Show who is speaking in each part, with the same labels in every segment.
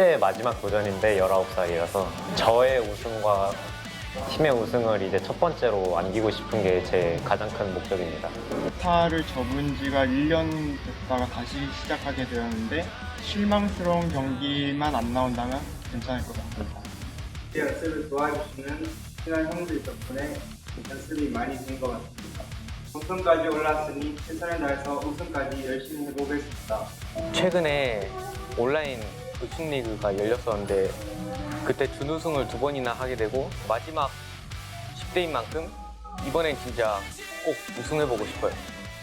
Speaker 1: 10대 마지막 도전인데 19살이라서 저의 우승과 팀의 우승을 이제 첫 번째로 안기고 싶은 게 제 가장 큰 목적입니다.
Speaker 2: 스타를 접은 지가 1년 됐다가 다시 시작하게 되었는데 실망스러운 경기만 안 나온다면 괜찮을 것 같습니다.
Speaker 3: 연습을 도와주시는 친한 형들 덕분에 연습이 많이 된 것 같습니다. 우승까지 올랐으니 최선을 다해서 우승까지 열심히 해보겠습니다.
Speaker 1: 최근에 온라인 우승 리그가 열렸었는데 그때 준우승을 2번이나 하게 되고 마지막 10대인 만큼 이번엔 진짜 꼭 우승해보고 싶어요.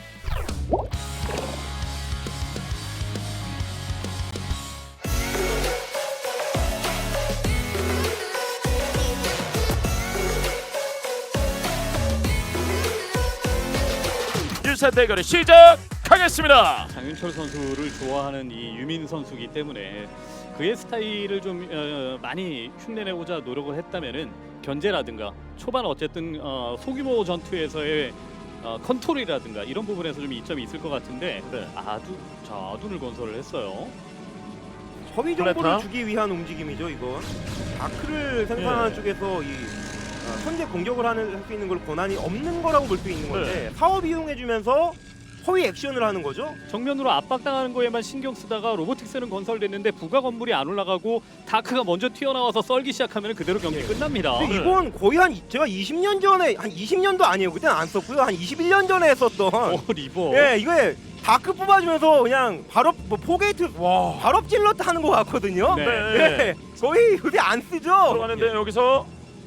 Speaker 4: 일사 대결을 시작하겠습니다.
Speaker 5: 장윤철 선수를 좋아하는 이 유민 선수이기 때문에 그의 스타일을 좀 많이 흉내내고자 노력을 했다면은 견제라든가 초반 어쨌든 소규모 전투에서의 컨트롤이라든가 이런 부분에서 좀 이점이 있을 것 같은데
Speaker 4: 네.
Speaker 5: 아둔을 건설을 했어요.
Speaker 6: 허위 정보를
Speaker 4: 플레타?
Speaker 6: 주기 위한 움직임이죠, 이건. 다크를 생산하는 쪽에서 이 현재 공격을 할 수 있는 걸 권한이 없는 거라고 볼 수 있는 건데 사업 이용해주면서 허위 액션을 하는 거죠.
Speaker 5: 정면으로 압박당하는 거에만 신경 쓰다가 로보틱스는 건설됐는데 부가 건물이 안 올라가고 다크가 먼저 튀어나와서 썰기 시작하면 그대로 경기 끝납니다.
Speaker 6: 근데 이건 거의 제가 20년 전에 한 20년도 아니에요. 그때는 안 썼고요. 한 21년 전에 했었던.
Speaker 5: 리버.
Speaker 6: 예, 이게 다크 뽑아주면서 그냥 바로 포게이트 바로 찔렀다 하는 것 같거든요.
Speaker 5: 네.
Speaker 6: 예, 거의 요새 안 쓰죠.
Speaker 4: 들어가는데 여기서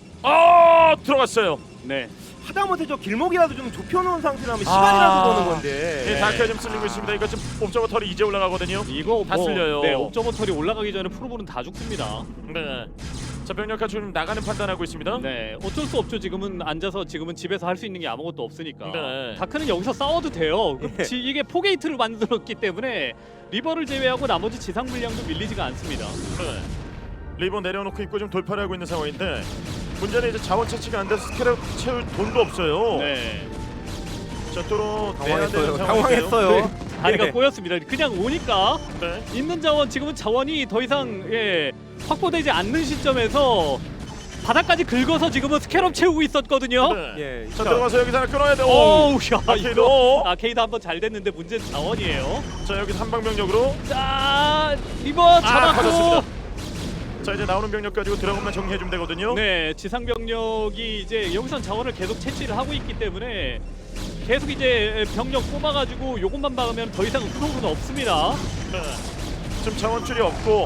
Speaker 4: 들어갔어요.
Speaker 5: 네.
Speaker 6: 하다못해 저 길목이라도 좀 좁혀놓은 상태라면 시간이라도 버는 건데.
Speaker 4: 예, 다크가 좀 쓸리고 있습니다. 이거 지금 옵저버털이 이제 올라가거든요.
Speaker 5: 이거
Speaker 4: 다 쓸려요.
Speaker 5: 네, 옵저버털이 올라가기 전에 프로볼은 다 죽습니다.
Speaker 4: 네. 자, 병력화 지금 나가는 판단하고 있습니다.
Speaker 5: 네, 어쩔 수 없죠. 지금은 앉아서 지금은 집에서 할 수 있는 게 아무것도 없으니까.
Speaker 4: 네.
Speaker 5: 다크는 여기서 싸워도 돼요.
Speaker 6: 예.
Speaker 5: 이게 포게이트를 만들었기 때문에 리버를 제외하고 나머지 지상 물량도 밀리지가 않습니다.
Speaker 4: 네. 리본 내려놓고 있고 좀 돌파를 하고 있는 상황인데 문제는 이제 자원 채취가 안 돼서 스케일을 채울 돈도 없어요.
Speaker 5: 네,
Speaker 4: 자, 또로 내야 되는
Speaker 6: 당황했어요.
Speaker 4: 상황인데요.
Speaker 6: 당황했어요.
Speaker 5: 다리가
Speaker 6: 예.
Speaker 5: 꼬였습니다. 그냥 오니까
Speaker 4: 네.
Speaker 5: 있는 자원 지금은 자원이 더 이상 확보되지 않는 시점에서 바닥까지 긁어서 지금은 스캐럽 채우고 있었거든요.
Speaker 4: 네.
Speaker 6: 예,
Speaker 4: 자,
Speaker 6: 진짜.
Speaker 4: 들어가서 여기서 하나 끊어야 돼.
Speaker 5: 오우, 야,
Speaker 4: 아케이드.
Speaker 5: 이거 아케이드 한번 잘 됐는데 문제는 자원이에요.
Speaker 4: 자, 여기서 한방병력으로
Speaker 5: 자, 리버 잡았고.
Speaker 4: 터졌습니다. 자, 이제 나오는 병력 가지고 드라곤만 정리해 주면 되거든요.
Speaker 5: 네, 지상 병력이 이제 여기선 자원을 계속 채취를 하고 있기 때문에 계속 이제 병력 뽑아가지고 요것만 박으면 더 이상 프로는 없습니다.
Speaker 4: 네. 지금 자원줄이 없고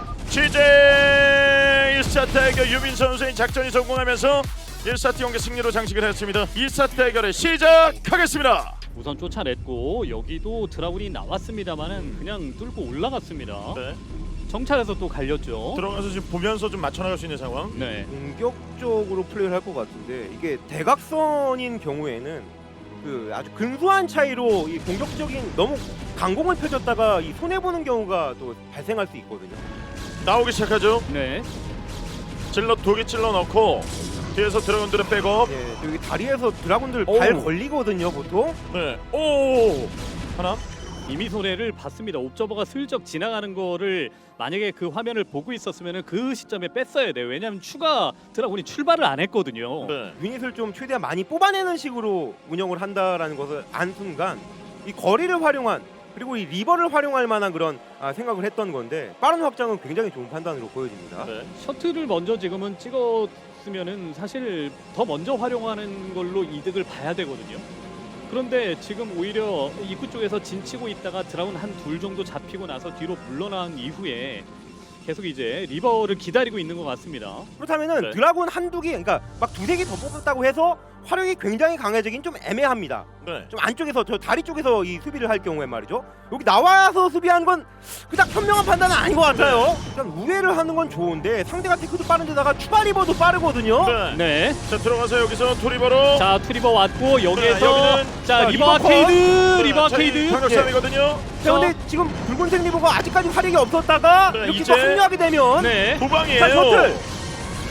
Speaker 4: 취재 1사 대결 유민 선수의 작전이 성공하면서 1사트 경기 승리로 장식을 했습니다. 2사 대결을 시작하겠습니다.
Speaker 5: 우선 쫓아냈고 여기도 드라군이 나왔습니다만은 그냥 뚫고 올라갔습니다.
Speaker 4: 네.
Speaker 5: 정찰해서 또 갈렸죠.
Speaker 4: 들어가서 지금 보면서 좀 맞춰나갈 수 있는 상황.
Speaker 5: 네.
Speaker 6: 공격적으로 플레이를 할 것 같은데 이게 대각선인 경우에는 그 아주 근소한 차이로 이 공격적인 너무 강공을 펴줬다가 이 손해 보는 경우가 또 발생할 수 있거든요.
Speaker 4: 나오기 시작하죠.
Speaker 5: 네.
Speaker 4: 찔러 독이 찔러 넣고 뒤에서 드래곤들의 백업.
Speaker 6: 예, 여기 다리에서 드라군들
Speaker 4: 오우.
Speaker 6: 발 걸리거든요, 보통.
Speaker 4: 네. 오. 하나.
Speaker 5: 이미 손해를 봤습니다. 옵저버가 슬쩍 지나가는 거를 만약에 그 화면을 보고 있었으면 그 시점에 뺐어야 돼요. 왜냐하면 추가 드라군이 출발을 안 했거든요.
Speaker 4: 네.
Speaker 6: 유닛을 좀 최대한 많이 뽑아내는 식으로 운영을 한다라는 것을 안 순간 이 거리를 활용한 그리고 이 리버를 활용할 만한 그런 생각을 했던 건데 빠른 확장은 굉장히 좋은 판단으로 보여집니다.
Speaker 4: 네.
Speaker 5: 셔틀을 먼저 지금은 찍었으면은 사실 더 먼저 활용하는 걸로 이득을 봐야 되거든요. 그런데 지금 오히려 입구 쪽에서 진치고 있다가 드라군 한 둘 정도 잡히고 나서 뒤로 물러난 이후에 계속 이제 리버를 기다리고 있는 것 같습니다.
Speaker 6: 그렇다면은
Speaker 4: 네.
Speaker 6: 드라군 한두 개, 그러니까 막 두세 개 더 뽑았다고 해서 화력이 굉장히 강해지긴 좀 애매합니다.
Speaker 4: 네.
Speaker 6: 좀 안쪽에서 저 다리 쪽에서 이 수비를 할 경우에 말이죠. 여기 나와서 수비하는 건 그닥 현명한 판단은 아닌 것 같아요. 일단 우회를 하는 건 좋은데 상대가 테크도 빠른데다가 추가 리버도 빠르거든요.
Speaker 4: 네.
Speaker 5: 네.
Speaker 4: 자, 들어가서 여기서 투리버로.
Speaker 5: 자, 투리버 왔고 여기에서
Speaker 4: 여기는
Speaker 5: 자,
Speaker 6: 자,
Speaker 5: 리버
Speaker 6: 리버
Speaker 5: 아케이드, 리버 아케이드.
Speaker 4: 방역 싸움이거든요.
Speaker 6: 자, 근데 지금 붉은색 리버가 아직까지 화력이 없었다가
Speaker 4: 네,
Speaker 6: 이렇게
Speaker 4: 이제-
Speaker 6: 또 합류하게 되면
Speaker 5: 네.
Speaker 4: 도방이에요.
Speaker 6: 자, 셔틀!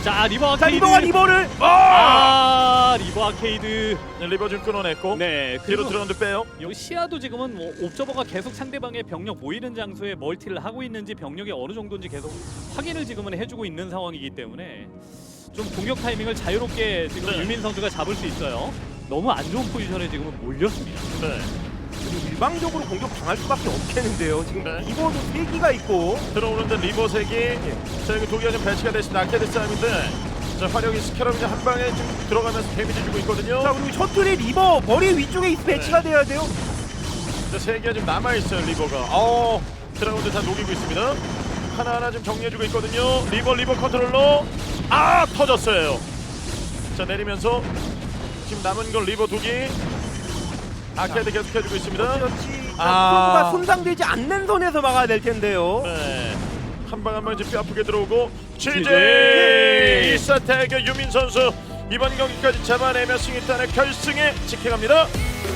Speaker 5: 자 리버
Speaker 6: 자
Speaker 5: 아케이드.
Speaker 6: 리버가 리버를
Speaker 5: 리버 아케이드.
Speaker 4: 네, 리버 좀 끊어냈고
Speaker 5: 네.
Speaker 4: 뒤로
Speaker 5: 그리고
Speaker 4: 들어오는데 빼요.
Speaker 5: 여기 시야도 지금은 뭐 옵저버가 계속 상대방의 병력 모이는 장소에 멀티를 하고 있는지 병력이 어느 정도인지 계속 확인을 지금은 해주고 있는 상황이기 때문에 좀 공격 타이밍을 자유롭게 지금
Speaker 4: 네.
Speaker 5: 유민 선수가 잡을 수 있어요. 너무 안 좋은 포지션에 지금은 몰렸습니다.
Speaker 4: 네.
Speaker 6: 일방적으로 공격 당할 수밖에 없겠는데요. 지금
Speaker 4: 네.
Speaker 6: 리버도 3기가 있고
Speaker 4: 들어오는데 리버 색이 자 여기 독이가 좀 배치가 되신 아케드 싸움인데 자 화력이 스캐럽이 한 방에 좀 들어가면서 데미지 주고 있거든요.
Speaker 6: 자 그리고 셔틀이 리버 머리 위쪽에 배치가 돼야 돼요.
Speaker 4: 자, 세 개가 좀 남아 있어요 리버가. 드라곤들 다 녹이고 있습니다. 하나하나 좀 정리해주고 있거든요. 리버 컨트롤러 터졌어요. 자 내리면서 지금 남은 건 리버 두기. 아케드 계속 해주고 있습니다.
Speaker 6: 그렇지. 프로브가 손상되지 않는 선에서 막아야 될 텐데요.
Speaker 4: 네. 한 방 한 방 뼈 아프게 들어오고
Speaker 5: GG!
Speaker 4: GG 1사 대결 유민 선수 이번 경기까지 잡아내며 승리단의 결승에 직행합니다.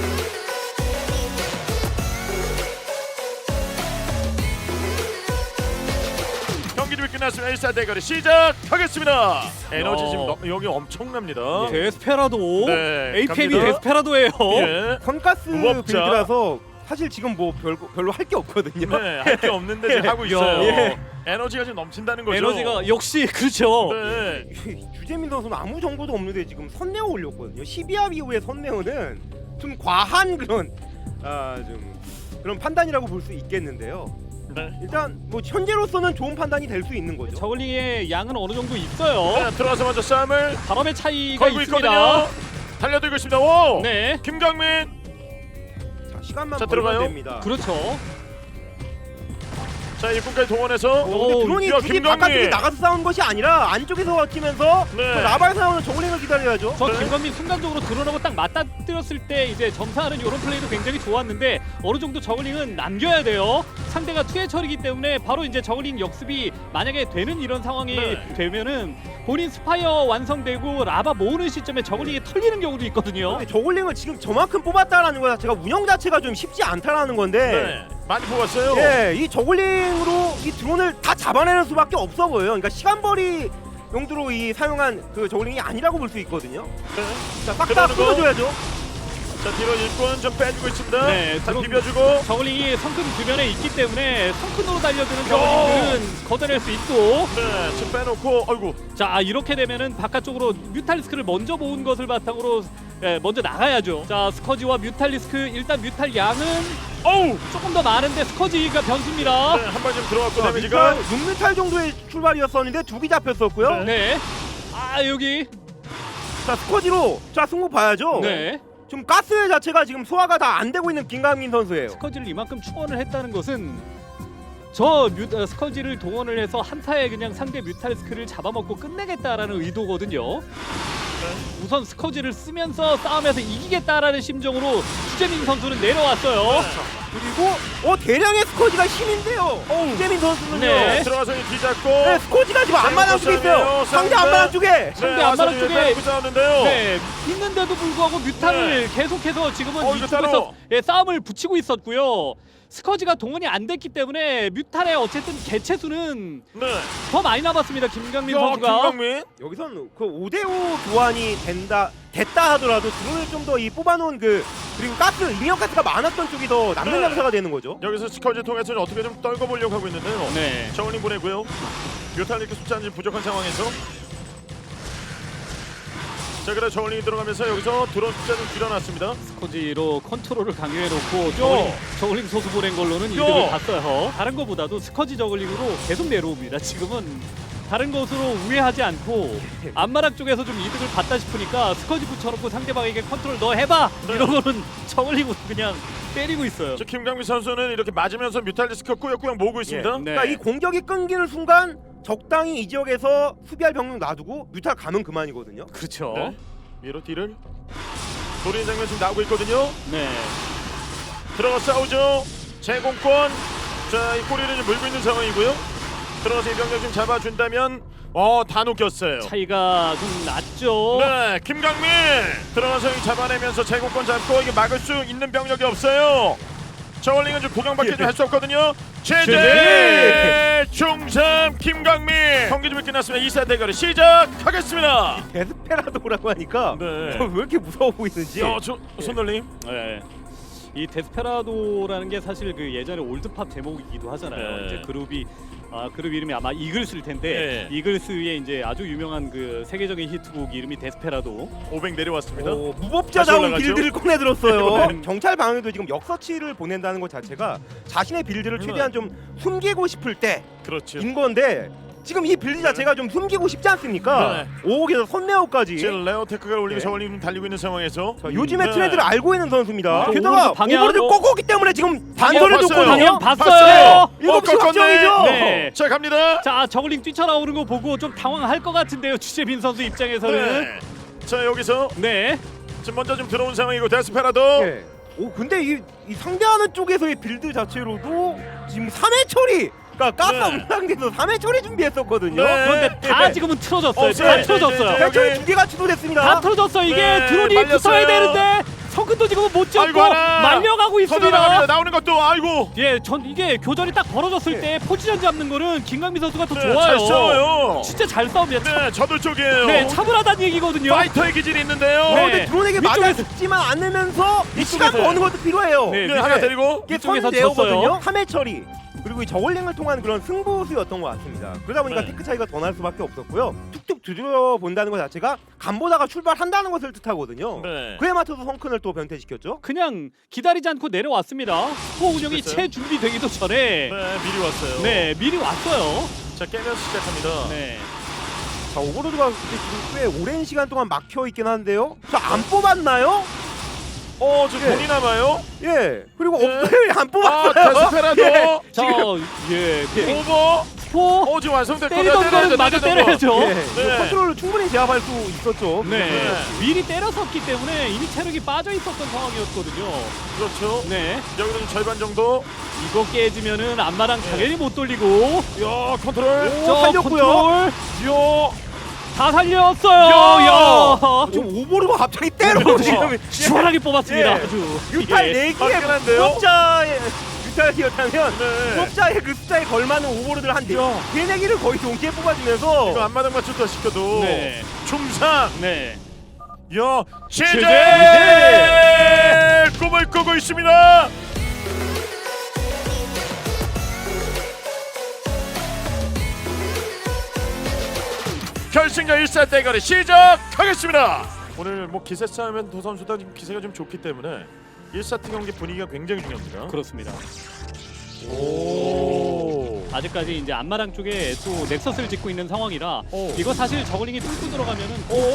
Speaker 4: 경기 준비 끝났으면 1사 대결이 시작하겠습니다. 에너지 지금 여기 엄청납니다.
Speaker 5: 데스페라도.
Speaker 4: 네,
Speaker 5: APM이
Speaker 4: 갑니다.
Speaker 5: 데스페라도예요.
Speaker 4: 예.
Speaker 6: 선가스
Speaker 4: 무법자.
Speaker 6: 빌드라서 사실 지금 뭐 별로 할 게 없거든요.
Speaker 4: 네, 할 게 없는데 지금 하고 있어요.
Speaker 6: 예.
Speaker 4: 에너지가 지금 넘친다는 거죠.
Speaker 5: 에너지가 역시 그렇죠.
Speaker 4: 네.
Speaker 6: 유재민 선수는 아무 정보도 없는데 지금 선내어 올렸거든요. 12합 이후에 선내어는 좀 과한 그런 좀 그런 판단이라고 볼 수 있겠는데요.
Speaker 4: 네.
Speaker 6: 일단 뭐 현재로서는 좋은 판단이 될 수 있는 거죠.
Speaker 5: 저글링의 양은 어느 정도 있어요.
Speaker 4: 네, 들어와서 먼저 싸움을
Speaker 5: 바람의 차이가
Speaker 4: 걸고
Speaker 5: 있습니다.
Speaker 4: 있거든요. 달려들고 있습니다. 오!
Speaker 5: 네,
Speaker 4: 김강민.
Speaker 6: 자, 시간만
Speaker 4: 자,
Speaker 6: 벌면
Speaker 4: 들어가요.
Speaker 6: 됩니다.
Speaker 5: 그렇죠.
Speaker 4: 자, 입구까지 동원해서
Speaker 6: 근데 드론이
Speaker 4: 야,
Speaker 6: 굳이
Speaker 4: 김강민.
Speaker 6: 바깥쪽에 나가서 싸우는 것이 아니라 안쪽에서 버티면서
Speaker 4: 네.
Speaker 6: 그 라바에서 나오는 저글링을 기다려야죠.
Speaker 5: 저
Speaker 4: 네.
Speaker 5: 김건민 순간적으로 드론하고 딱 맞닥뜨렸을 때 이제 점사하는 이런 플레이도 굉장히 좋았는데 어느 정도 저글링은 남겨야 돼요. 상대가 투의 처리기 때문에 바로 이제 저글링 역습이 만약에 되는 이런 상황이
Speaker 4: 네.
Speaker 5: 되면은 본인 스파이어 완성되고 라바 모으는 시점에 저글링이 털리는 경우도 있거든요.
Speaker 6: 근데 저글링을 지금 저만큼 뽑았다라는 거 자체가 운영 자체가 좀 쉽지 않다라는 건데
Speaker 4: 네. 많이 뽑았어요.
Speaker 6: 예, 이 저글링으로 이 드론을 다 잡아내는 수밖에 없어 보여요. 그러니까 시간벌이 용도로 이 사용한 그 저글링이 아니라고 볼 수 있거든요.
Speaker 4: 네.
Speaker 6: 자, 싹 다
Speaker 4: 그러는 거.
Speaker 6: 풀어줘야죠.
Speaker 4: 자, 뒤로 일꾼 좀 빼주고 있습니다.
Speaker 5: 네,
Speaker 4: 자,
Speaker 5: 드론-
Speaker 4: 비벼주고.
Speaker 5: 저글링이 성큰 주변에 있기 때문에 성큰으로 달려드는 저글링들은 걷어낼 수 있고
Speaker 4: 네, 지금 빼놓고 아이고.
Speaker 5: 자 이렇게 되면은 바깥쪽으로 뮤탈리스크를 먼저 모은 것을 바탕으로 먼저 나가야죠. 자 스커지와 뮤탈리스크 일단 뮤탈 양은
Speaker 4: 어우!
Speaker 5: 조금 더 많은데 스커지가 변수입니다.
Speaker 4: 네, 한 방 좀 들어갔고 데미지가
Speaker 6: 6뮤탈 정도의 출발이었었는데 두 개 잡혔었고요.
Speaker 5: 네. 아 여기
Speaker 6: 자, 스쿼지로 자 승부 봐야죠.
Speaker 5: 네
Speaker 6: 지금 가스 자체가 지금 소화가 다 안 되고 있는 김강민 선수예요.
Speaker 5: 스커지를 이만큼 충원을 했다는 것은 스커지를 동원을 해서 한타에 그냥 상대 뮤탈리스크를 잡아먹고 끝내겠다라는 의도거든요. 우선 스커지를 쓰면서 싸움에서 이기겠다라는 심정으로 주재민 선수는 내려왔어요.
Speaker 6: 그리고 대량의 스쿼지가 힘인데요. 유재민 선수는요.
Speaker 5: 네.
Speaker 4: 들어가서 뒤잡고.
Speaker 6: 네, 스쿼지가 지금 안마당 쪽에 있어요. 상대 안마당 쪽에.
Speaker 5: 상대 안마당
Speaker 4: 와서
Speaker 5: 쪽에-
Speaker 4: 빼고 싸우는데요.
Speaker 5: 네, 있는데도 불구하고 뮤탈을 계속해서 지금은
Speaker 4: 이거
Speaker 5: 이쪽에서
Speaker 4: 따로.
Speaker 5: 싸움을 붙이고 있었고요. 스커지가 동원이 안 됐기 때문에 뮤탈의 어쨌든 개체수는
Speaker 4: 네.
Speaker 5: 더 많이 남았습니다. 김강민
Speaker 4: 야,
Speaker 5: 선수가.
Speaker 4: 김강민.
Speaker 6: 여기선 그 5대5 교환이 됐다 하더라도 드론을 좀 더 이 뽑아놓은 그리고 가스 인력 가스가 많았던 쪽이 더 남는
Speaker 4: 네.
Speaker 6: 장사가 되는 거죠.
Speaker 4: 여기서 스커지 통해서 어떻게 좀 떨궈보려고 하고 있는데요.
Speaker 5: 네.
Speaker 4: 저울링 보내고요. 뮤탈리크 숫자는 지금 부족한 상황에서. 자, 그래 저울링이 들어가면서 여기서 드론 숫자 좀 줄여놨습니다.
Speaker 5: 스커지로 컨트롤을 강요해놓고 저글링 소수 보낸 걸로는 이득을 봤어요. 다른 것보다도 스커지 저글링으로 계속 내려옵니다. 지금은 다른 것으로 우회하지 않고 앞마당 쪽에서 좀 이득을 봤다 싶으니까 스커지 붙여놓고 상대방에게 컨트롤 너 해봐!
Speaker 4: 네.
Speaker 5: 이러고는 저글링으로 그냥 때리고 있어요.
Speaker 4: 저 김강민 선수는 이렇게 맞으면서 뮤탈리스크 꾸역꾸역 모으고 있습니다.
Speaker 5: 네.
Speaker 6: 그러니까 이 공격이 끊기는 순간 적당히 이 지역에서 수비할 병력 놔두고 뮤탈 가면 그만이거든요.
Speaker 5: 그렇죠.
Speaker 4: 네. 위로 뒤를 노리는 장면 지금 나오고 있거든요.
Speaker 5: 네.
Speaker 4: 들어가 싸우죠. 제공권. 자, 이 꼬리를 좀 물고 있는 상황이고요. 들어가서 이 병력 좀 잡아준다면 다 녹였어요.
Speaker 5: 차이가 좀 났죠.
Speaker 4: 네, 김강민 들어가서 이 잡아내면서 제공권 잡고 이게 막을 수 있는 병력이 없어요. 저울링은 좀 구경밖에 좀 할 수 없거든요. 제재 중삼 김광민 경기 준비 끝났습니다. 2사 대결을 시작하겠습니다.
Speaker 6: 데스페라도라고 하니까
Speaker 4: 네.
Speaker 6: 왜 이렇게 무서워 보이는지.
Speaker 4: 손놀림.
Speaker 5: 네. 이 데스페라도라는 게 사실 그 예전에 올드팝 제목이기도 하잖아요.
Speaker 4: 네.
Speaker 5: 이제 그룹 이름이 아마 이글스일 텐데
Speaker 4: 네.
Speaker 5: 이글스의 이제 아주 유명한 그 세계적인 히트곡 이름이 데스페라도.
Speaker 4: 500 내려왔습니다.
Speaker 6: 무법자다운
Speaker 4: 다시 올라가죠?
Speaker 6: 빌드를 꺼내들었어요.
Speaker 4: 네.
Speaker 6: 경찰 방에도 지금 역서치를 보낸다는 것 자체가 자신의 빌드를 최대한 좀 숨기고 싶을 때인
Speaker 4: 그렇죠.
Speaker 6: 건데 지금 이 빌드 자체가 좀 숨기고 싶지 않습니까? 오옥에서 선내옥까지.
Speaker 4: 지금 레오테크가 올리고
Speaker 6: 네.
Speaker 4: 저울림 달리고 있는 상황에서
Speaker 6: 자, 요즘의
Speaker 4: 네.
Speaker 6: 트렌드를 알고 있는 선수입니다.
Speaker 5: 저
Speaker 6: 게다가
Speaker 5: 오버로드 방향-
Speaker 6: 오버로드 꼬꼬기 때문에 지금 단서를
Speaker 4: 봤어요.
Speaker 6: 줬거든요.
Speaker 5: 방향 봤어요.
Speaker 6: 일곱 시
Speaker 4: 꺾었네.
Speaker 6: 확정이죠.
Speaker 5: 네.
Speaker 4: 자 갑니다.
Speaker 5: 자 저글링 뛰쳐나오는 거 보고 좀 당황할 것 같은데요. 주재빈 선수 입장에서는.
Speaker 4: 네. 자 여기서
Speaker 5: 네.
Speaker 4: 지금 먼저 좀 들어온 상황이고 데스페라도
Speaker 6: 예. 오 근데 이 상대하는 쪽에서의 빌드 자체로도 지금 3회 처리, 그러니까 가스
Speaker 4: 네.
Speaker 6: 상대에서 3회 처리 준비했었거든요.
Speaker 4: 네.
Speaker 5: 그런데 다
Speaker 6: 네.
Speaker 5: 지금은 틀어졌어요.
Speaker 4: 없어요.
Speaker 5: 다
Speaker 4: 네,
Speaker 5: 틀어졌어요.
Speaker 4: 네, 네.
Speaker 6: 해처리 2개가 취소됐습니다.
Speaker 5: 다 틀어졌어. 이게
Speaker 4: 네,
Speaker 5: 드론이
Speaker 4: 말렸어요.
Speaker 5: 붙어야 되는데 성근도 지금 못
Speaker 4: 아이고
Speaker 5: 잡고
Speaker 4: 하나
Speaker 5: 말려가고
Speaker 4: 터져나갑니다.
Speaker 5: 있습니다.
Speaker 4: 나오는 것도 아이고
Speaker 5: 예, 전 이게 교전이 딱 벌어졌을
Speaker 6: 네.
Speaker 5: 때 포지션 잡는 거는 김강민 선수가 더
Speaker 4: 네,
Speaker 5: 좋아요.
Speaker 4: 잘 싸워요.
Speaker 5: 진짜 잘 싸웁니다.
Speaker 4: 네 저들 쪽이에요.
Speaker 5: 네, 차분하다는 얘기거든요.
Speaker 4: 파이터의 기질이 있는데요.
Speaker 5: 네.
Speaker 6: 근데 드론에게 맞아
Speaker 5: 위쪽에서-
Speaker 6: 죽지만 않으면서 이 시간
Speaker 5: 위쪽에서-
Speaker 6: 버는 것도 필요해요.
Speaker 5: 네,
Speaker 4: 네, 하나 데리고
Speaker 6: 이게
Speaker 5: 위쪽에서
Speaker 6: 선제어거든요. 3회 처리. 그리고 이 저울링을 통한 그런 승부수였던 것 같습니다. 그러다 보니까
Speaker 4: 네.
Speaker 6: 테크 차이가 더 날 수밖에 없었고요. 툭툭 들여본다는 것 자체가 간보다가 출발한다는 것을 뜻하거든요.
Speaker 4: 네.
Speaker 6: 그에 맞춰서 성큰을 또 변태시켰죠.
Speaker 5: 그냥 기다리지 않고 내려왔습니다. 후보 운영이
Speaker 4: 됐어요?
Speaker 5: 채 준비되기도 전에
Speaker 4: 네 미리 왔어요.
Speaker 5: 네, 미리 왔어요.
Speaker 4: 자 깨면서 시작합니다.
Speaker 5: 네.
Speaker 6: 자 오버로드가 근데 지금 꽤 오랜 시간 동안 막혀 있긴 한데요. 자 안 뽑았나요?
Speaker 4: 지금
Speaker 6: 예.
Speaker 4: 돈이 남아요.
Speaker 6: 예. 그리고
Speaker 4: 네.
Speaker 6: 없어요. 안
Speaker 4: 아
Speaker 6: 뽑았어요.
Speaker 4: 데스페라도
Speaker 6: 예.
Speaker 5: 자, 예,
Speaker 4: 오버.
Speaker 5: 스포
Speaker 4: 지금 완성됐고
Speaker 5: 때리던 거는 맞아 때려야죠.
Speaker 6: 예.
Speaker 4: 네.
Speaker 6: 컨트롤을 충분히 제압할 수 있었죠.
Speaker 5: 네.
Speaker 4: 네.
Speaker 5: 미리 때렸었기 때문에 이미 체력이 빠져 있었던 상황이었거든요.
Speaker 4: 그렇죠.
Speaker 5: 네.
Speaker 4: 여기서는 절반 정도.
Speaker 5: 이거 깨지면은 앞마당
Speaker 4: 네.
Speaker 5: 당연히 못 돌리고.
Speaker 4: 야 컨트롤.
Speaker 6: 살렸고요.
Speaker 5: 컨트롤
Speaker 4: 야.
Speaker 5: 다 살렸어요.
Speaker 4: 야!
Speaker 5: 야.
Speaker 6: 지금 오버로드가 갑자기 때려 지금
Speaker 5: 시원하게 뽑았습니다.
Speaker 6: 예.
Speaker 5: 아주.
Speaker 6: 유탈
Speaker 5: 예.
Speaker 6: 4개의
Speaker 4: 화끈한데요?
Speaker 6: 수업자의 유탈이었다면
Speaker 4: 네.
Speaker 6: 수업자의 그 숫자에 걸맞는 오버로드를 한 4개를 거의 동시에 뽑아주면서
Speaker 4: 이거 앞마당 맞췄다 시켜도.
Speaker 5: 네.
Speaker 4: 중상.
Speaker 5: 네.
Speaker 4: 야 시제
Speaker 5: 시제!
Speaker 4: 꿈을 꾸고 있습니다. 결승전 1사 대결이 시작하겠습니다. 오늘 뭐 기세 싸움은 두 선수 다 지금 기세가 좀 좋기 때문에 1사트 경기 분위기가 굉장히 중요합니다.
Speaker 5: 그렇습니다.
Speaker 4: 오.
Speaker 5: 아직까지 이제 앞마당 쪽에 또 넥서스를 짓고 있는 상황이라
Speaker 4: 오.
Speaker 5: 이거 사실 저글링이 뚫고 들어가면은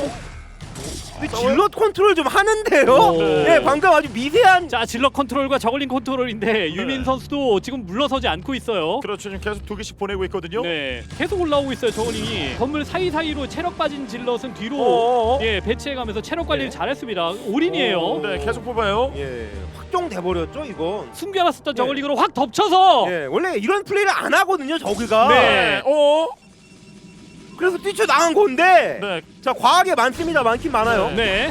Speaker 6: 질럿 컨트롤 좀 하는데요.
Speaker 5: 오.
Speaker 6: 네, 방금 아주 미세한
Speaker 5: 자 질럿 컨트롤과 저글링 컨트롤인데 유민 선수도 지금 물러서지 않고 있어요.
Speaker 4: 그렇죠. 지금 계속 2개씩 보내고 있거든요.
Speaker 5: 네, 계속 올라오고 있어요 저글링이. 건물 사이사이로 체력 빠진 질럿은 뒤로
Speaker 4: 어어어.
Speaker 5: 예 배치해가면서 체력 관리를
Speaker 6: 네.
Speaker 5: 잘했습니다. 올인이에요.
Speaker 4: 네, 계속 뽑아요.
Speaker 6: 예, 확정돼 버렸죠 이건.
Speaker 5: 숨겨놨었던
Speaker 6: 네.
Speaker 5: 저글링으로 확 덮쳐서
Speaker 6: 예, 원래 이런 플레이를 안 하거든요 저기가.
Speaker 5: 네.
Speaker 4: 오.
Speaker 6: 그래서 뛰쳐 나간 건데.
Speaker 4: 네.
Speaker 6: 자 과하게 많습니다. 많긴 많아요.
Speaker 5: 네.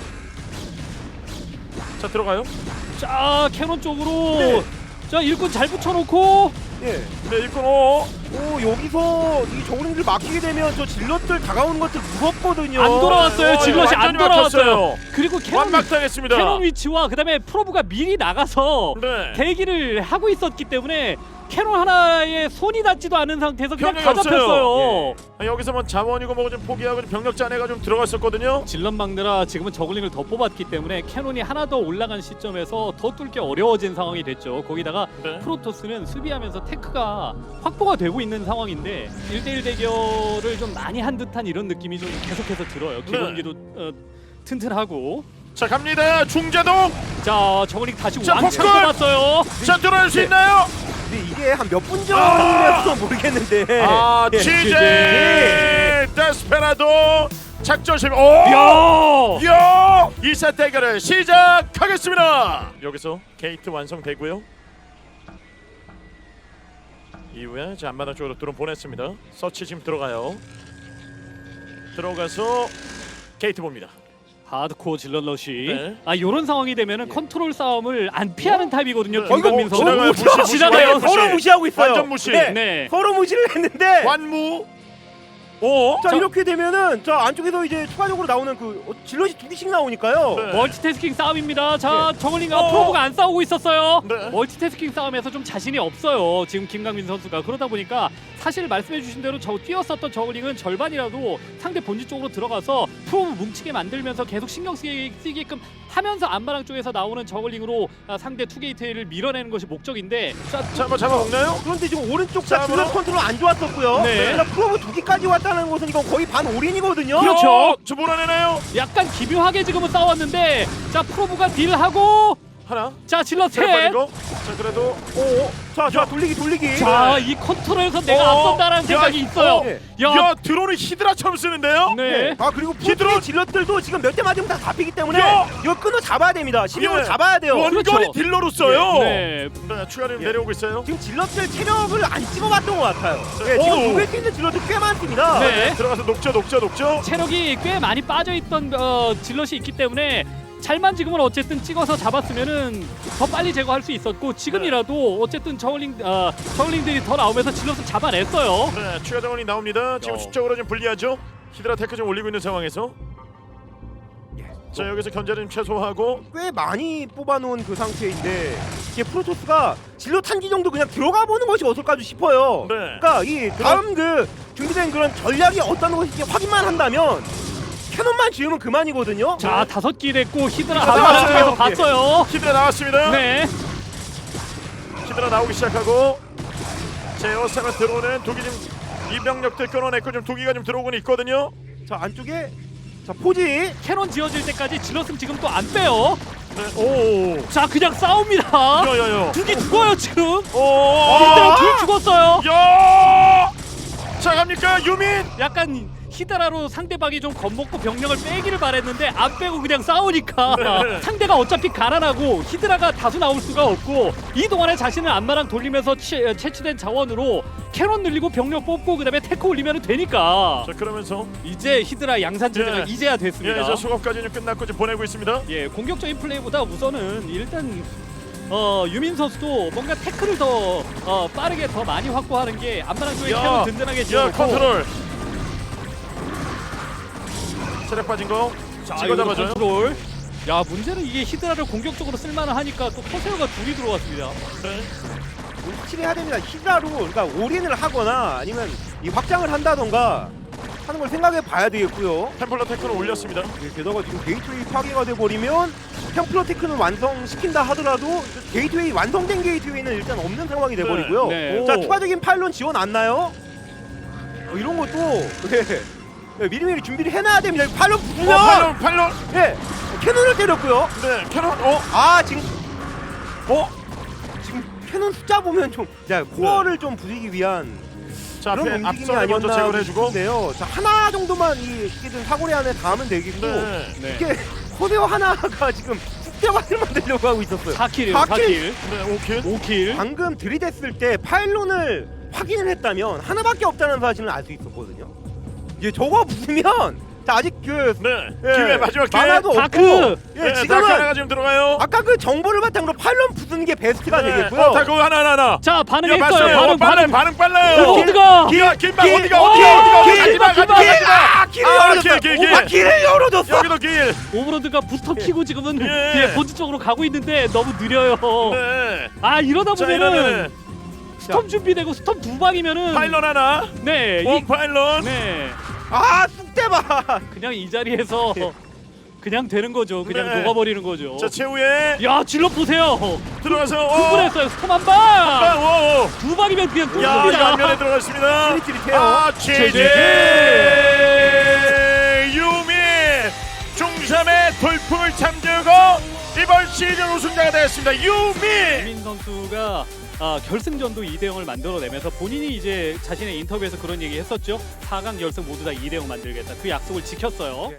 Speaker 4: 자 들어가요.
Speaker 5: 자 캐논 쪽으로
Speaker 6: 네.
Speaker 5: 자 일꾼 잘 붙여놓고
Speaker 6: 예.
Speaker 4: 네, 일꾼 오.
Speaker 6: 오 여기서 이 저글링들 막히게 되면 저 질럿들 다가오는 것들 무섭거든요.
Speaker 5: 안 돌아왔어요. 질럿이 안
Speaker 4: 완전히
Speaker 5: 돌아왔어요.
Speaker 4: 막혔어요.
Speaker 5: 그리고 캐논
Speaker 4: 완막당했습니다.
Speaker 5: 캐논 위치와 그다음에 프로브가 미리 나가서
Speaker 4: 네.
Speaker 5: 대기를 하고 있었기 때문에 캐논 하나에 손이 닿지도 않은 상태에서 그냥
Speaker 4: 병력이
Speaker 5: 다
Speaker 4: 없어요.
Speaker 5: 잡혔어요.
Speaker 4: 아, 여기서 뭐 자원이고 뭐고 좀 포기하고 좀 병력 짜내가 좀 들어갔었거든요.
Speaker 5: 질럿 막느라 지금은 저글링을 더 뽑았기 때문에 캐논이 하나 더 올라간 시점에서 더 뚫기 어려워진 상황이 됐죠. 거기다가
Speaker 4: 네.
Speaker 5: 프로토스는 수비하면서 테크가 확보가 되고 있는 상황인데 1대1 대결을 좀 많이 한 듯한 이런 느낌이 좀 계속해서 들어요. 기본기도 튼튼하고.
Speaker 4: 자 갑니다. 중자동.
Speaker 5: 자 저글링 다시
Speaker 4: 자,
Speaker 5: 왕창
Speaker 4: 폭군!
Speaker 5: 뽑았어요.
Speaker 4: 자 들어갈 수
Speaker 6: 네.
Speaker 4: 있나요?
Speaker 6: 근데 이게 한 몇 분 전이라서 모르겠는데.
Speaker 4: 아
Speaker 6: 예.
Speaker 4: 취재 데스페라도 작전 실패. 오!
Speaker 5: 야!
Speaker 4: 야! 2사 대결을 시작하겠습니다. 여기서 게이트 완성되고요. 이후에 자 앞마당 쪽으로 드론 보냈습니다. 서치 지금 들어가요. 들어가서 게이트 봅니다.
Speaker 5: 하드코어 질럿러시.
Speaker 4: 네.
Speaker 5: 아 이런 상황이 되면은 컨트롤 싸움을 안 피하는 타입이거든요.
Speaker 4: 네.
Speaker 5: 김강민 선수.
Speaker 4: 지나가요. 무시.
Speaker 5: 지나가요.
Speaker 4: 무시.
Speaker 6: 서로 무시하고 있어요.
Speaker 4: 완전 무시.
Speaker 6: 네.
Speaker 5: 네.
Speaker 6: 서로 무시를 했는데
Speaker 4: 완무. 오.
Speaker 6: 자 이렇게 되면은 저 안쪽에서 이제 추가적으로 나오는 그 질럿이 두 개씩 나오니까요.
Speaker 4: 네.
Speaker 5: 멀티태스킹 싸움입니다. 자, 저글링과
Speaker 4: 어.
Speaker 5: 프로브가 안 싸우고 있었어요.
Speaker 4: 네.
Speaker 5: 멀티태스킹 싸움에서 좀 자신이 없어요. 지금 김강민 선수가. 그러다 보니까 사실 말씀해주신 대로 뛰었었던 저글링은 절반이라도 상대 본진 쪽으로 들어가서 프로브 뭉치게 만들면서 계속 신경 쓰이게끔 하면서 안마랑 쪽에서 나오는 저글링으로 상대 투게이트를 밀어내는 것이 목적인데
Speaker 4: 자, 한번 잡아먹나요?
Speaker 6: 그런데 지금 오른쪽
Speaker 4: 자,
Speaker 6: 질럿 컨트롤 안 좋았었고요.
Speaker 5: 네.
Speaker 6: 자, 프로브 두 개까지 왔다는 것은 이건 거의 반 올인이거든요.
Speaker 5: 그렇죠.
Speaker 4: 저 몰아내나요?
Speaker 5: 약간 기묘하게 지금은 싸웠는데 자 프로브가 딜하고
Speaker 4: 하나.
Speaker 5: 자 질럿
Speaker 4: 자,
Speaker 5: 셋.
Speaker 4: 빠지고. 자, 그래도
Speaker 6: 자 돌리기.
Speaker 5: 자, 이 컨트롤에서 내가 앞선다라는 생각이 있어요.
Speaker 6: 네.
Speaker 4: 야, 드론을 히드라처럼 쓰는데요?
Speaker 5: 네.
Speaker 6: 아 그리고
Speaker 4: 히드라-
Speaker 6: 프로토의 질럿들도 지금 몇 대 맞으면 다 잡히기 때문에
Speaker 4: 야!
Speaker 6: 이거 끊어 잡아야 됩니다. 심형을
Speaker 4: 예.
Speaker 6: 잡아야 돼요.
Speaker 4: 원거리
Speaker 5: 그렇죠.
Speaker 4: 딜러로 써요.
Speaker 5: 네.
Speaker 4: 네, 추가로
Speaker 6: 예.
Speaker 4: 내려오고 있어요.
Speaker 6: 지금 질럿들 체력을 안 찍어봤던 것 같아요.
Speaker 4: 네.
Speaker 6: 예, 지금
Speaker 4: 오.
Speaker 6: 녹일 수 있는 질럿들 꽤 많습니다.
Speaker 5: 네.
Speaker 4: 들어가서 녹죠.
Speaker 5: 체력이 꽤 많이 빠져있던 질럿이 있기 때문에 잘만 지금은 어쨌든 찍어서 잡았으면은 더 빨리 제거할 수 있었고 지금이라도 어쨌든 저글링들이 더 나오면서 질럿을 잡아냈어요.
Speaker 4: 네, 추가 자원이 나옵니다. 지금 수적으로 좀 불리하죠. 히드라 테크 좀 올리고 있는 상황에서. 자, 여기서 견제를 좀 최소화하고.
Speaker 6: 꽤 많이 뽑아놓은 그 상태인데 이게 프로토스가 질럿 한 기 정도 그냥 들어가 보는 것이 어떨까 싶어요.
Speaker 4: 네.
Speaker 6: 그러니까 이 다음 그 준비된 그런 전략이 어떤 것인지 확인만 한다면 캐논만 지으면 그만이거든요.
Speaker 5: 자 5기 됐고 히드라
Speaker 4: 히드라
Speaker 5: 안마랑
Speaker 4: 나왔어요.
Speaker 5: 쪽에서 봤어요.
Speaker 4: 히드라 나왔습니다.
Speaker 5: 네.
Speaker 4: 히드라 나오기 시작하고 제어상을 들어오는 독이 좀 이병력들 끊어냈고 좀 독이가 좀 들어오고는 있거든요.
Speaker 6: 자 안쪽에 자 포지
Speaker 5: 캐논 지어질 때까지 질럿은 지금 또 안 빼요.
Speaker 4: 네. 오.
Speaker 5: 자 그냥 싸웁니다.
Speaker 4: 야야야.
Speaker 5: 두기 죽어요 지금.
Speaker 4: 오.
Speaker 5: 히드라 둘 죽었어요.
Speaker 4: 야. 자 갑니까 유민.
Speaker 5: 약간 히드라로 상대방이 좀 겁먹고 병력을 빼기를 바랬는데 안 빼고 그냥 싸우니까
Speaker 4: 네.
Speaker 5: 상대가 어차피 가난하고 히드라가 다수 나올 수가 없고 이 동안에 자신은 안마랑 돌리면서 채취된 자원으로 캐논 늘리고 병력 뽑고 그다음에 테크 올리면 되니까
Speaker 4: 자 그러면서
Speaker 5: 이제 히드라 양산 체제가
Speaker 4: 예.
Speaker 5: 이제야 됐습니다.
Speaker 4: 예, 이제 수급까지 좀 끝났고 지금 보내고 있습니다.
Speaker 5: 예, 공격적인 플레이보다 우선은 일단 유민 선수도 뭔가 태클을 더 빠르게 더 많이 확보하는 게 안마랑 쪽에
Speaker 4: 야,
Speaker 5: 캐논 든든하게
Speaker 4: 야
Speaker 5: 지어놓고
Speaker 4: 컨트롤. 체력 빠진 거.
Speaker 5: 자,
Speaker 4: 찍어
Speaker 5: 이거
Speaker 4: 잡아줘요.
Speaker 5: 컨트롤. 야 문제는 이게 히드라를 공격적으로 쓸만을 하니까 또 커세어가 둘이 들어왔습니다.
Speaker 4: 네.
Speaker 6: 확실히 해야 됩니다. 히드라로 그러니까 올인을 하거나 아니면 이 확장을 한다던가 하는 걸 생각해 봐야 되겠고요.
Speaker 4: 템플러 테크를 올렸습니다.
Speaker 6: 예, 게다가 지금 게이트웨이 파괴가 돼버리면 템플러 테크는 완성시킨다 하더라도 게이트웨이 완성된 게이트웨이는 일단 없는 상황이 돼버리고요.
Speaker 5: 네.
Speaker 4: 오.
Speaker 6: 자 추가적인 파일론 지원 안 나요? 이런 것도 미리미리 준비를 해놔야 됩니다. 파일론 부수면
Speaker 4: 팔론.
Speaker 6: 예 캐논을 때렸고요.
Speaker 4: 네, 캐논.
Speaker 6: 지금 지금 캐논 숫자 보면 좀 코어를 좀 부수기 위한
Speaker 4: 자,
Speaker 6: 그런
Speaker 4: 앞에
Speaker 6: 움직임이
Speaker 4: 앞선을 먼저
Speaker 6: 아니었나
Speaker 4: 제거를 해주고.
Speaker 6: 싶은데요. 자 하나 정도만 이 어떻게든 사거리 안에 닿으면 되겠고
Speaker 4: 네.
Speaker 5: 네.
Speaker 6: 이게 코세어 하나가 지금 숙제만을 만들려고 하고 있었어요.
Speaker 5: 4킬이요.
Speaker 6: 4킬.
Speaker 5: 4킬.
Speaker 4: 네, 오킬.
Speaker 5: 5킬.
Speaker 6: 방금 들이댔을 때 파일론을 확인을 했다면 하나밖에 없다는 사실은 알 수 있었거든요. 이제 저거 부수면 자 아직 그
Speaker 4: 네.
Speaker 6: 예,
Speaker 4: 기회 마지막 기회.
Speaker 6: 만화도 없고
Speaker 5: 다크!
Speaker 6: 예,
Speaker 4: 네,
Speaker 6: 지금은
Speaker 4: 다크 하나가 지금 들어가요.
Speaker 6: 아까 그 정보를 바탕으로 파일론 부수는 게 베스트가
Speaker 4: 네.
Speaker 6: 되겠고요.
Speaker 4: 다크 하나.
Speaker 5: 자
Speaker 4: 이거
Speaker 5: 반응했어요.
Speaker 4: 봤어요. 반응 빨라요.
Speaker 5: 오버로드가
Speaker 4: 길막
Speaker 6: 길,
Speaker 4: 어디가
Speaker 6: 길,
Speaker 4: 가지마.
Speaker 6: 길을 열어줬다.
Speaker 4: 길.
Speaker 6: 길을 열어줬어.
Speaker 4: 여기도 길.
Speaker 5: 오버로드가 부스터 키고 지금은
Speaker 4: 예.
Speaker 5: 본진 쪽으로 가고 있는데 너무 느려요.
Speaker 4: 네.
Speaker 5: 아 이러다
Speaker 4: 자,
Speaker 5: 보면은
Speaker 4: 이러면은
Speaker 5: 스톰 준비되고 스톰 두 방이면은
Speaker 4: 파일런 하나.
Speaker 5: 네,
Speaker 4: 원 파일런.
Speaker 5: 네
Speaker 6: 쑥대봐.
Speaker 5: 그냥 이 자리에서 그냥 되는 거죠. 그냥
Speaker 4: 네.
Speaker 5: 녹아버리는 거죠.
Speaker 4: 자, 최후에
Speaker 5: 야 질럿 보세요.
Speaker 4: 들어가서
Speaker 5: 구분했어요. 스톰 한 방.
Speaker 4: 오.
Speaker 5: 두 방이면 그냥
Speaker 4: 야,
Speaker 5: 뚫습니다.
Speaker 4: 양면에 들어갔습니다.
Speaker 6: 찌릿찌릿해요.
Speaker 4: 제제 유민 중삼의 돌풍을 잠재우고 이번 시즌 우승자가 되었습니다. 유민.
Speaker 5: 유민 선수가 결승전도 2대0을 만들어내면서 본인이 이제 자신의 인터뷰에서 그런 얘기 했었죠. 4강 결승 모두 다 2대0 만들겠다. 그 약속을 지켰어요.